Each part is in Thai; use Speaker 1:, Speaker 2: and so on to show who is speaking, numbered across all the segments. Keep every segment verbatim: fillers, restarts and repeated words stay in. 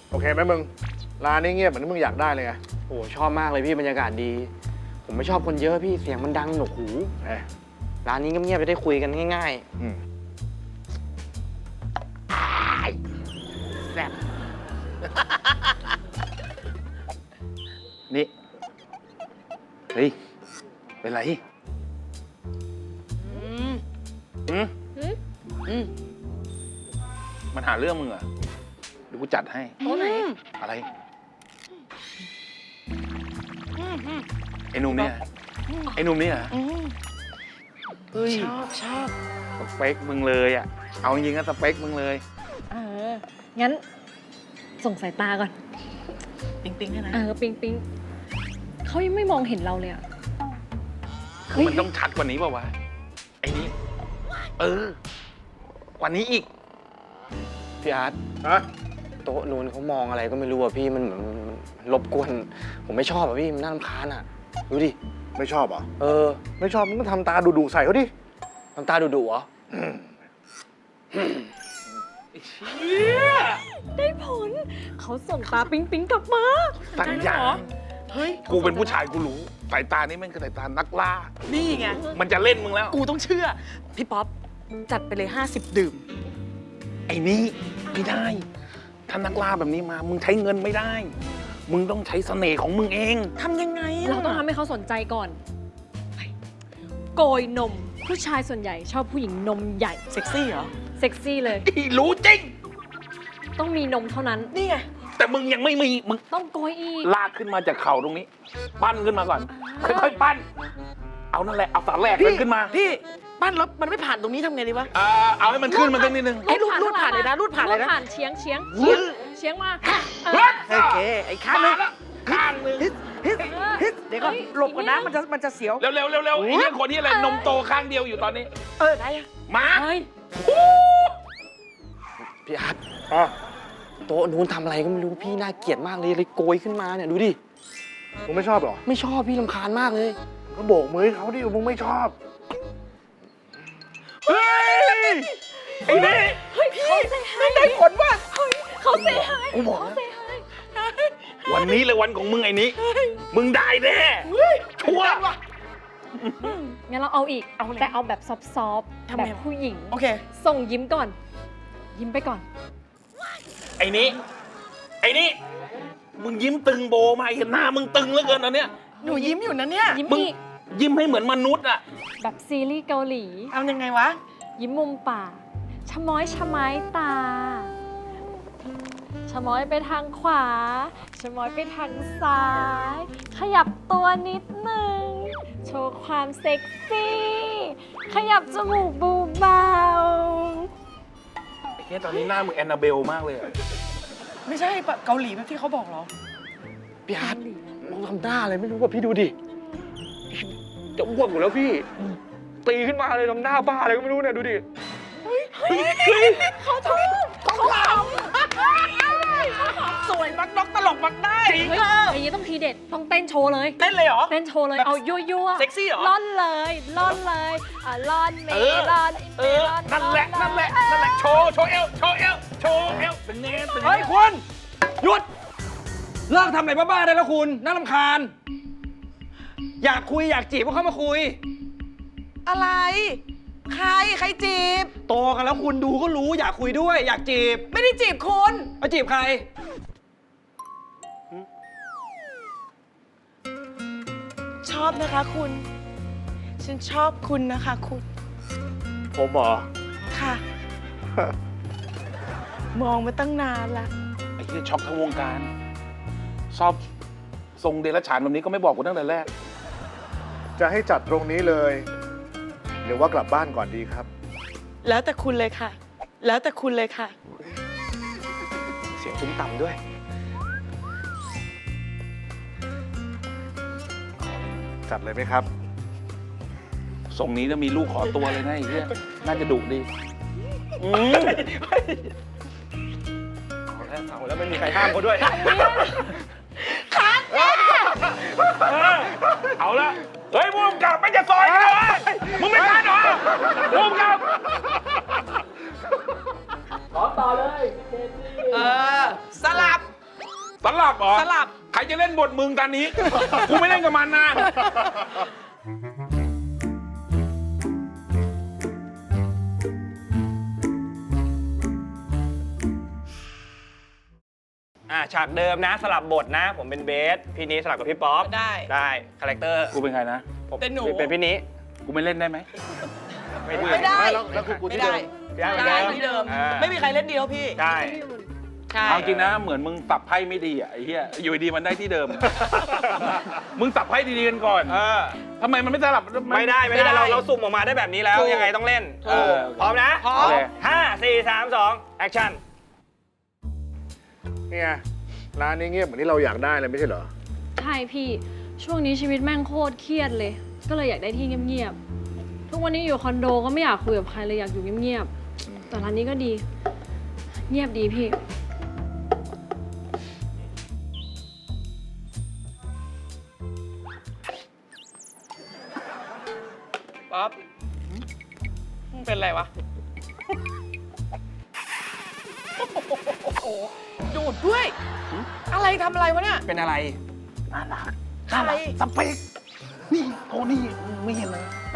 Speaker 1: โอเคไหมมึงร้านนี้เงียบเหมือนที่มึงอยากได้เลยไง
Speaker 2: โอ้ชอบมากเลยพี่บรรยากาศดี ผมไม่ชอบคนเยอะพี่เสียงมันดังหนวกหู
Speaker 1: เอ้ย
Speaker 2: ร้านนี้เงียบๆจะได้คุยกันง่าย
Speaker 1: อืม
Speaker 2: ๆแซ่บ
Speaker 3: นี่ เฮ้ย เป็นไรอืมอืมมันหาเรื่องมึงเหรอเดี๋ยวกูจัดให้
Speaker 4: โต๊ะไหน
Speaker 3: อะไร ไอ้หนุ่มเนี่ย ไอ้หนุ่มเนี่ย
Speaker 4: ชอบชอบ
Speaker 3: สเปคมึงเลยอ่ะ เอาจริงๆก็สเปคมึงเลย
Speaker 4: เออ งั้น ส่งสายตาก่อน
Speaker 5: ปิ๊งปิ๊งให้นะ
Speaker 4: เออ ปิงปิงเขายังไม่มองเห็นเราเลยอะ
Speaker 3: คือมันต้องชัดกว่านี้เปล่าวะ ไอ้นี้ เออ กว่านี้อีก
Speaker 2: พี่อาร์ต
Speaker 1: ฮะ
Speaker 2: โต๊ะนู้นเขามองอะไรก็ไม่รู้อะพี่มันเหมือนมันรบกวน ผมไม่ชอบอะพี่มันน่ารำคาญอะดูดิ
Speaker 1: ไม่ชอบเหรอ
Speaker 2: เออ
Speaker 1: ไม่ชอบมึงก็ทำตาดุๆใส่เขาดิ
Speaker 2: น้ำตาดุๆเหรอ
Speaker 4: ได้ผล เขาส่งตาปิงปิงกลับมา
Speaker 3: สัญญา
Speaker 5: เฮ้ย
Speaker 3: กูเป็นผู้ชายกูรู้ สายตานี้มันคือสายตานักล่า
Speaker 5: นี่ไง
Speaker 3: มันจะเล่นมึงแล้ว
Speaker 5: กูต้องเชื่อ พี่ป๊อป จัดไปเลยห้าสิบดื่ม
Speaker 3: ไอ้นี่ไม่ได้ ถ้านักล่าแบบนี้มา มึงใช้เงินไม่ได้ มึงต้องใช้เสน่ห์ของมึงเอง
Speaker 5: ทำยังไงะ
Speaker 4: เราต้องทำให้เขาสนใจก่อน โกยนม ผู้ชายส่วนใหญ่ชอบผู้หญิงนมใหญ่
Speaker 5: เซ็กซี่เหรอ
Speaker 4: เซ็กซี่เลย
Speaker 3: อีรู้จริง
Speaker 4: ต้องมีนมเท่านั้น
Speaker 5: นี่ไง
Speaker 3: แต่มึงยังไม่มี มึง
Speaker 4: ต้องโกยอีก
Speaker 3: ลากขึ้นมาจากเข่าตรงนี้ ปั้นขึ้นมาก่อน ค่อยๆปั้น เอานั่นแหละ เอาสารแหลกมันขึ้นมา
Speaker 5: พี่บ้านรถมันไม่ผ่านตรงนี้ทำไงดีวะ
Speaker 3: เอ่อเอาให้มันขึ้นมาสักนิดนึง
Speaker 5: ไอ้รูดรูดผ่านเลยนะรูดผ่านเลยนะ
Speaker 4: รูดผ่านเฉียงเฉียงเฉียงเฉียงมาเออ
Speaker 5: โอเค ไอ้ข้างนึง
Speaker 3: ข้างหนึง
Speaker 5: ฮิตฮิตฮิตเดี๋ยวก่อน
Speaker 4: เฮ้ย
Speaker 5: หลบก่อนนะ
Speaker 4: อีกนิด
Speaker 5: มันจะมันจะเสียว
Speaker 3: เร็วเร็วเร็วเร็วไอ้เนี่ยคนนี้อะไรนมโตข้างเดียวอยู่ตอนนี้
Speaker 5: เออ ได้อะ
Speaker 3: มา
Speaker 4: เฮ้ย
Speaker 2: พี่อาร์ต
Speaker 1: อ่ะ
Speaker 2: โต๊ะนู้นทำอะไรก็ไม่รู้พี่น่าเกลียดมากเลยเลยโกยขึ้นมาเนี่ยดูดิ
Speaker 1: มึงไม่ชอบเหรอ
Speaker 2: ไม่ชอบพี่รำคาญมากเลย
Speaker 1: ก็โบกมือให้เขาดิมึงไม่ชอบ
Speaker 3: เฮ้ย ไอ้นี่
Speaker 4: เฮ้ยพี่ไม่ได้ผลว่ะเฮ้ยเขาเซฮาย
Speaker 3: กูบอก
Speaker 4: เขา
Speaker 3: แล้ว
Speaker 4: เซฮาย
Speaker 3: วันนี้เลยวันของมึงไอ้นี้ มึงได้แน่ชัวร์
Speaker 4: งั้นเราเอาอีก
Speaker 5: เอาเลย
Speaker 4: แต่เอาแบบซอฟต์ๆ
Speaker 5: ทำ
Speaker 4: แบ
Speaker 5: ไง
Speaker 4: บผู้หญิง
Speaker 5: โอเค
Speaker 4: ส่งยิ้มก่อน ยิ้มไปก่อน
Speaker 3: ไอ้นี้ ไอ้นี่ มึงยิ้มตึงโบมาเห็นหน้ามึงตึงเหลือเกินอันเนี้ย
Speaker 5: หนูยิ้มอยู่นะเนี่ย
Speaker 4: ยิ้ม
Speaker 3: มึง
Speaker 4: อีก
Speaker 3: ยิ้มให้เหมือนมนุษย์อ่ะ
Speaker 4: แบบซีรีส์เกาหลี
Speaker 5: เอายังไงวะ
Speaker 4: ยิ้มมุมปากชะม้อยชะไม้ตาชะม้อยไปทางขวาชะม้อยไปทางซ้าย ขยับตัวนิดหนึ่งโชว์ความเซ็กซี่ ขยับจมูกเบา
Speaker 3: ไอ้เนี่ยตอนนี้หน้ามึงแอนนาเบลมากเลยอะ
Speaker 5: ไม่ใช่แบบเกาหลีแบบที่เขาบอกเหรอ
Speaker 2: พี่อาร์ตเราทำหน้าอะไรไม่รู้ว่าพี่ดูดิ จะอ้วกอยู่แล้วพี่ ตีขึ้นมาเลยทำหน้าบ้าอะไรก็ไม่รู้เนี่ยดูดิ
Speaker 4: ๆเขาชอบเขาข
Speaker 5: สวยมักนกตลกมักได้
Speaker 4: ำเฮ้ยอย่างนี้ต้องทีเด็ดต้องเต้นโชว์เลย
Speaker 5: เต้นเลยเหรอ
Speaker 4: เต้นโชว์เลย เอายั่วยั่วๆ
Speaker 5: เซ็กซี่เหรอ
Speaker 4: ล่อนเลยล่อนเลยอ่ะล่อนเม
Speaker 3: เออ
Speaker 4: ล่อนอิน
Speaker 3: เอ
Speaker 4: เม
Speaker 3: อ
Speaker 4: ล่อน
Speaker 3: นั่นแหละ นั่นแหละ นั่นแหละ โชว์ โชว์เอว โชว์เอว โชว์เอวเป็นไงเป็นไง
Speaker 2: เฮ้ยคุณหยุด เลิกทำอะไรบ้าๆได้แล้วคุณ น่ารำคาญ อยากคุยอยากจีบก็เข้ามาคุย
Speaker 5: อะไร ใคร ใครจีบ
Speaker 2: โตกันแล้วคุณดูก็รู้อยากคุยด้วย อยากจีบ
Speaker 5: ไม่ได้จีบคุณ
Speaker 2: มาจีบใคร
Speaker 5: ชอบนะคะคุณ ฉันชอบคุณนะคะคุณ
Speaker 1: ผมเหรอ
Speaker 5: ค่ะ มองมาตั้งนานละ
Speaker 3: ไอ้ที่ช็อกทั้งวงการ ชอบทรงเดรัจฉานแบบนี้ก็ไม่บอกกูตั้งแต่แรก
Speaker 1: จะให้จัดตรงนี้เลย หรือว่ากลับบ้านก่อนดีครับ
Speaker 5: แล้วแต่คุณเลยค่ะ แล้วแต่คุณเลยค่ะ
Speaker 2: เสียงตุ้มต่ำด้วย
Speaker 1: จัดเลยไหมครับ
Speaker 3: ทรงนี้จะมีลูกขอตัวเลยนะไอ้เหี้ยน่าจะดุดีอืม
Speaker 2: เอาแล้วเอาแล้วไม่มีใครห้ามเขาด้วย
Speaker 3: เอาละ เฮ้ยมุมกลับไม่จะซอยกันเลยมึงไม่ทันเหรอมุมกลับ
Speaker 5: เออ สลับ
Speaker 3: สลับเหรอ
Speaker 5: สลับ
Speaker 3: ใครจะเล่นบทมึงตอนนี้ กูไม่เล่นกับมันนะ
Speaker 2: อ่าฉากเดิมนะสลับบทนะ ผมเป็นเบสพี่นี้สลับกับพี่ป๊อป
Speaker 5: ได้
Speaker 2: ได้คาแรคเตอร์
Speaker 3: กูเป็นใครนะ
Speaker 2: ผม
Speaker 5: เป็นหนู
Speaker 2: เป็นพี่นี้
Speaker 3: กูไม่เล่นได้ไหม
Speaker 2: ไม่ได้
Speaker 5: ไม่ได้
Speaker 1: ไม่แล้วแล้วคือกู
Speaker 5: ไม่
Speaker 1: ที่เดิ
Speaker 5: ได้
Speaker 1: ม
Speaker 2: ไม่
Speaker 5: ได้
Speaker 2: ได้
Speaker 5: ที่เดิม
Speaker 2: อ่า
Speaker 5: ไม่มีใครเล่นเดียวพี่
Speaker 2: ใช่
Speaker 5: ใช่
Speaker 3: เอาจริงนะ เหมือนมึงสับไพ่ไม่ดีอ่ะไอ้เหี้ย อยู่ดีมันได้ที่เดิม มึงสับไพ่ดีๆกันก่อน
Speaker 2: เออ
Speaker 3: ทำไมมันไม่สลับน
Speaker 2: ไม่ได้ไม่ได้เราเราสุ่มออกมาได้แบบนี้แล้ว
Speaker 5: ถูก
Speaker 2: ยังไงต้องเล่น
Speaker 3: ถูก
Speaker 2: เออพร้อมนะ
Speaker 5: พร้อ
Speaker 3: โอ
Speaker 5: ม
Speaker 3: เค
Speaker 2: ห้าสี่สามสองแอคชั่น
Speaker 1: เนี่ยร้านนี้เงียบเหมือนที่เราอยากได้เลยไม่ใช่เหรอ
Speaker 4: ใช่พี่ ช่วงนี้ชีวิตแม่งโคตรเครียดเลย ก็เลยอยากได้ที่เงียบๆ ทุกวันนี้อยู่คอนโดก็ไม่อยากคุยกับใครเลยอยากอยู่เงียบๆ แต่ร้านนี้ก็ดี เงียบดีพี่
Speaker 5: ป๊อปมึงเป็นไรวะ โอ้โหดูดด้วย อะไรทำอะไรวะเนี่ย
Speaker 2: เป็นอะไร
Speaker 3: น่ารัก
Speaker 5: อะไร
Speaker 3: สเปคนี่โทนี่มึงไม่เห็นเลย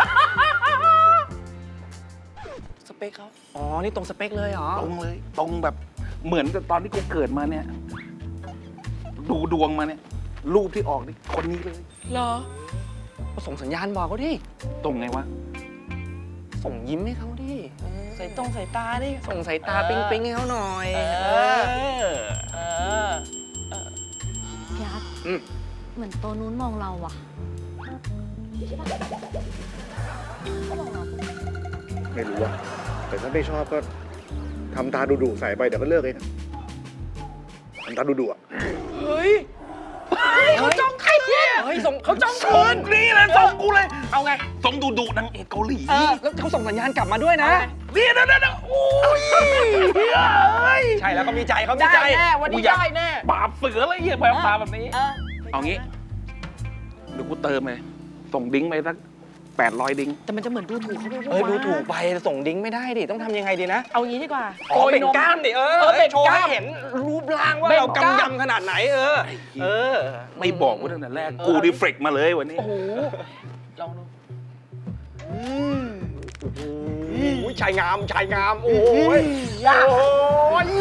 Speaker 5: สเปคเขา
Speaker 2: อ๋อ นี่ตรงสเปคเลยเหรอ
Speaker 3: ตรงเลย ตรงแบบเหมือนกับตอนที่กูเกิดมาเนี่ย ดูดวงมาเนี่ย รูปที่ออกนี่คนนี้เลย
Speaker 5: เหรอ
Speaker 2: ก็ส่งสัญญาณบอกเขาดิ
Speaker 3: ตรงไงวะ
Speaker 2: ส่งยิ้มให้เขาดิ
Speaker 5: ใส่ตรงใส่ตาดิ
Speaker 2: ส่งสายตา
Speaker 5: เออ
Speaker 2: ปิ๊งปิ๊งๆให้เขาหน่อย
Speaker 5: เออ
Speaker 2: เออ
Speaker 5: เออ
Speaker 4: พี่อาร์ต
Speaker 1: อืม
Speaker 4: เหมือนตัวนู้นมองเราอะ
Speaker 1: ไม่รู้อะแต่ถ้าไม่ชอบก็ทำตาดุๆใส่ไปเดี๋ยวก็เลิกเองทำตาดุๆอะ
Speaker 5: เฮ้ย เฮ้ยเขาจ้องใครเนี่ย
Speaker 2: เฮ้ย ส่งเขาจ้อง
Speaker 3: ส่
Speaker 2: คื
Speaker 3: ง
Speaker 2: น
Speaker 3: นี่เลยส่งกูเลย
Speaker 2: เอาไง
Speaker 3: ส่งดูดูนางเอกเกาหลี
Speaker 2: เออ แล้วเขาส่งสัญญาณกลับมาด้วยนะ
Speaker 3: นี่นะนะนะโอ้ยเฮ้ย
Speaker 2: ใช่แล้วเขามีใจเขามี
Speaker 5: ได้
Speaker 2: ใจ
Speaker 5: แน่ วันนี้
Speaker 3: กูอยาก
Speaker 5: ได้แน่
Speaker 3: ปราบเสืออะไรเงี้ยแบบตาแบบนี้
Speaker 5: เออ
Speaker 3: เอางี้ เดี๋ยวกูเติมเลย ส่งดิ้งไปสักแปดร้อยดิ้ง
Speaker 5: แต่มันจะเหมือนดูถูกเขาไป
Speaker 2: เอ้ยดูถูกไปส่งดิ้งไม่ได้ดิ ต้องทำยังไงดีนะ
Speaker 5: เอางี้ดีกว่า
Speaker 2: อ๋อเบ่งกล้ามดิเออ
Speaker 5: เออเบ่ง
Speaker 2: โชว์
Speaker 5: กล้า
Speaker 2: ให้
Speaker 5: ม
Speaker 2: เห็นรูปร่างว่า
Speaker 5: เบ่ง
Speaker 2: เรา
Speaker 5: กล้าม
Speaker 2: กำยำขนาดไหนเออ เออ
Speaker 3: ไม่บอกกูตั้งแต่แรก กูดีเฟกมาเลยวันนี้
Speaker 5: โอ้โห ลองดู
Speaker 2: อุ้ยชายงามชายงาม โอ้ย
Speaker 5: ยาก
Speaker 2: โอ้ย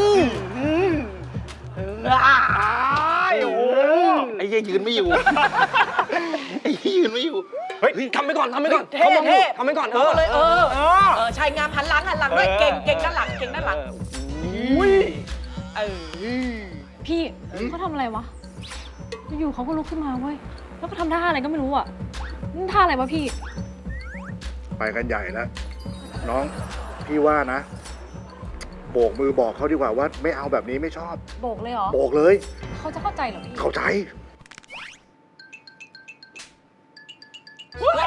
Speaker 2: อ้ายโอ้โห
Speaker 3: ไอ้เหี้ยยืนไม่อยู่ ไอ้เหี้ยยืนไม่อยู่
Speaker 2: เฮ้ยทำไปก่อนทำไปก่อน
Speaker 5: เท่
Speaker 2: เขามองอยู่
Speaker 5: เท่
Speaker 2: ทำไปก่อนเอ
Speaker 5: เอา
Speaker 2: อ
Speaker 5: เลยเออ
Speaker 2: เออ
Speaker 5: เออชายงามหันหลังหันหลังด้วย
Speaker 2: เออ
Speaker 5: เก่งเก่งด้านหลังเก่งด้านหลัง
Speaker 2: อุ้ย
Speaker 5: เออ
Speaker 4: พี่เขาทำอะไรวะ อยู่ๆเขาก็ลุกขึ้นมาเว้ย แล้วก็ทำท่าอะไรก็ไม่รู้อะนี่ท่าอะไรวะพี่
Speaker 1: ไปกันใหญ่แล้ว น้องพี่ว่านะ โบกมือบอกเขาดีกว่าว่าไม่เอาแบบนี้ไม่ชอบ
Speaker 4: โบกเลยเหรอ
Speaker 1: โบกเลย
Speaker 4: เขาจะเข้าใจเหรอพี่
Speaker 1: เข้าใจ
Speaker 3: กูว่า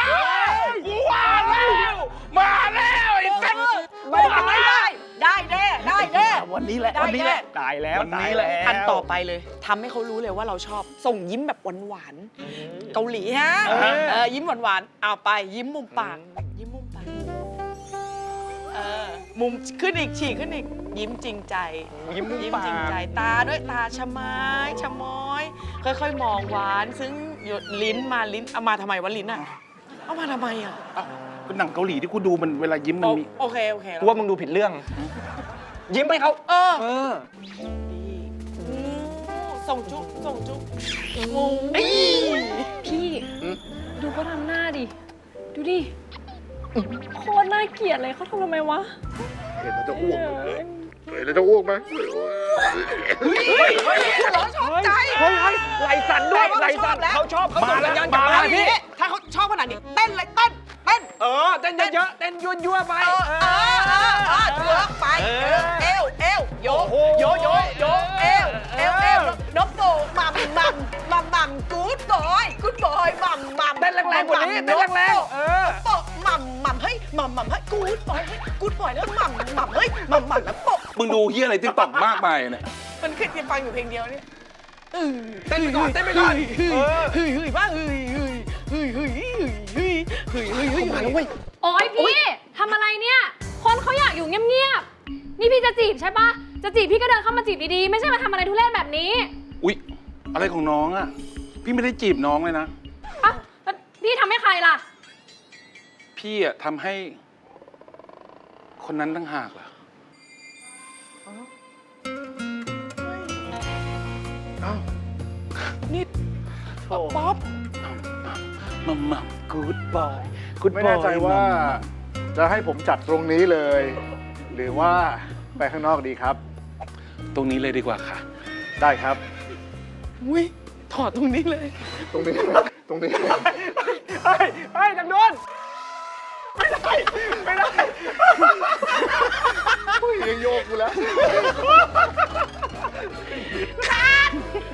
Speaker 3: แล้ว มาแล้วไอ้เซ็ต
Speaker 5: ไม่ได้ได้แน่ได้แน่
Speaker 3: วันนี้แหละ
Speaker 5: ได้
Speaker 3: วันนี้แหละ
Speaker 2: ตายแล้ว
Speaker 3: วันนี้
Speaker 2: ตาย
Speaker 3: แหละ
Speaker 2: แล้ว
Speaker 5: อันต่อไปเลยทำให้เขารู้เลยว่าเราชอบ ส่งยิ้มแบบหวานๆเกาหลีฮะ
Speaker 2: เออ
Speaker 5: เออยิ้มหวานๆเอาไปยิ้มมุมปากยิ้มมุมปากเออมุมขึ้นอีกฉีกขึ้นอีกยิ้มจริงใจ
Speaker 2: ยิ้มมุม
Speaker 5: ยิ้ม
Speaker 2: ปา
Speaker 5: จริง
Speaker 2: ก
Speaker 5: ใจตาด้วยตาชะไม้ชะม้อย ค่อยๆ มองหวาน ซึ่งหยดลิ้นมาลิ้นเอามาทำไมวะลิ้นอ่ะเอามาทำไมอ่ะ
Speaker 3: เอ้าก็หนังเกาหลีที่กูดูมันเวลายิ้มมัน
Speaker 5: โอ
Speaker 3: มี
Speaker 5: โอเคโอเค
Speaker 2: กูว่ามึงดูผิดเรื่อง ยิ้มให้เขา
Speaker 5: เออ
Speaker 2: เออ
Speaker 5: ดีอืมส่งจุ๊บส่งจุ๊บงู
Speaker 4: พี่ ดูเขาทำหน้าดิ ดูดิ โคตรน่าเกลียดเลยเขาทำทำไมวะ
Speaker 1: เห็นแล้วจะอ้วกเลยเห็นแล้วจะอ้วกไหม
Speaker 5: เราชอบใจ
Speaker 2: เฮ้ยเฮ้ยไหลสั่นด้วย
Speaker 5: แปลว่า
Speaker 2: ไหลสั่น
Speaker 5: เขาชอบแล้ว
Speaker 2: เขาชอบเขาส่งสัญญาณกลับ
Speaker 3: มา
Speaker 2: มา
Speaker 3: แล้ว
Speaker 2: พี่
Speaker 5: ถ้าเขาชอบขนาดนี้เต้นเลยเต้นเต้น
Speaker 2: เออเต้นเยอะๆเต้นยั่วๆไป
Speaker 5: เออเออเออเออเถือกไปเอวเอวโยโยโยโยเอวเอวเอวนกโตมัมมัมมัมมัมกู๊ดบอยกู๊ดบอยมัมมัม
Speaker 2: เต้นแรงๆกว่านี้เต้นแรงๆเออ
Speaker 5: โปะมัมมัมเฮ้ยมัมมัมเฮ้ยกู๊ดบอยเฮ้ยกู๊ดบอยแล้วมัมมัมเฮ้ยมัมมัมแล้วโปะ
Speaker 3: มึงดูเฮียอะไรติ๊กต็อกมากมายเนี่ย
Speaker 5: มันขึ้นจะฟังอยู่เพลงเดียวเนี่ย
Speaker 2: เต้นไปก่อนเต้นไปก่อนเออ
Speaker 5: เฮ้ยเฮ้ยบ้าเฮ้ยเฮ้ยเฮ้ยเฮ้ยเฮ้ยเฮ้ยเฮ้ยเฮ้ยเฮ้ย
Speaker 2: มาแล้วเว้ย
Speaker 4: โอ๊ยพี่ทำอะไรเนี่ย คนเขาอยากอยู่เงียบๆ นี่พี่จะจีบใช่ปะจะจีบพี่ก็เดินเข้ามาจีบดีๆ ไม่ใช่มาทำอะไรทุเรศแบบนี้
Speaker 3: อุ๊ย อะไรของน้องอะพี่ไม่ได้จีบน้องเลยนะ
Speaker 4: อ่ะแล้วพี่ทำให้ใครล่ะ
Speaker 3: พี่อะทำให้ คนนั้นตั้งหากล่ะ
Speaker 1: เอ้า
Speaker 5: นี่ป๊อป
Speaker 3: มัมมัมกูดบอยกูดบอย
Speaker 1: ไม่แน่ใจว่าจะให้ผมจัดตรงนี้เลย หรือว่าไปข้างนอกดีครับ
Speaker 3: ตรงนี้เลยดีกว่าค่ะ
Speaker 1: ได้ครับ
Speaker 5: อุ้ยถอดตรงนี้เลย
Speaker 1: ตรงนี้ ตรงนี้
Speaker 2: เฮ้ยเฮ้ยดังโดนไม่ได้ ไม่ได้
Speaker 1: ยังโยกกูแล้ว